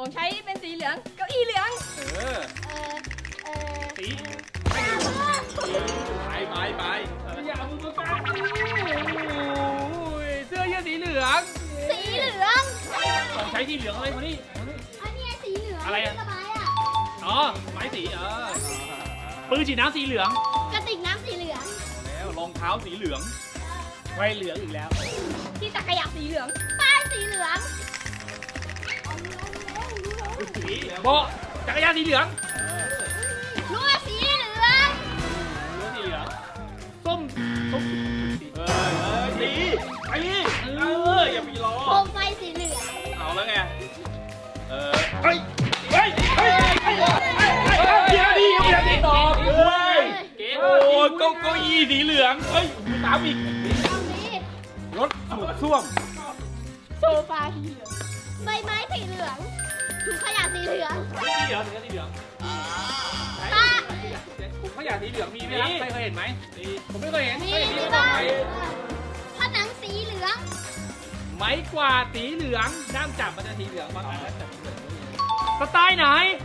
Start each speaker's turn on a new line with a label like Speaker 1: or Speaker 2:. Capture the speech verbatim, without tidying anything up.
Speaker 1: ของใช้เป็นสีเหลืองเก้าอี้เหลือง
Speaker 2: เออ
Speaker 3: เออเออ
Speaker 2: สีไปไปไปอย่าเอามือมากัดเสื้อยืดสีเหลือง
Speaker 3: สีเหลือง
Speaker 2: ของใช้สีเหลืองอะไรมานี่
Speaker 3: อันนี้สีเหลือง
Speaker 2: อะไรอะ
Speaker 3: สบายอ่ะ
Speaker 2: อ๋อไม้สีเออปืนฉีดน้ำสีเหลือง
Speaker 3: กระติกน้ำสีเหลือง
Speaker 2: แล้วรองเท้าสีเหลืองไฟเหลืองอีกแล้ว
Speaker 1: ที่จักรยานสีเหลือง
Speaker 3: ป้ายสีเหลือง
Speaker 2: สีเบาะจักรยานสีเหลือง
Speaker 3: รั้วสีเหลือง
Speaker 2: เรือสีเหลืองส้มส้มเออสีไอ้เอออย่ามีล้อ
Speaker 3: โคมไฟสีเหลือง
Speaker 2: เอาแล้วไงเออเฮ้ยเฮ้ยเฮ้ยเฮ้ยเดี๋ยวดิเดี๋ยวดิตอบเฮ้ยโอ้ยเก้าเก้าอี้สีเหลืองเฮ้ยมีตามอีก
Speaker 3: ตรงนี้
Speaker 2: รถสูบซ่วม
Speaker 1: โซฟาสีเหลือง
Speaker 3: ใบไม้สีเหลืองถุงขยะสีเหลือง
Speaker 2: สีเหลืองสีเหลือง
Speaker 3: ตา
Speaker 2: ถุงขยะสีเหลืองมีไหมครับใครเคยเห็นไหมผมไม่เคยเห็น
Speaker 3: มี
Speaker 2: ไม่เห็น
Speaker 3: มี
Speaker 2: ที่
Speaker 3: บ้า
Speaker 2: ไหน
Speaker 3: ผนังสีเหลือง
Speaker 2: ไม้กวาดสีเหลืองด้ามจับมันจะสีเหลืองบางอันแล้วจับสีเหลืองสไตล์ไหน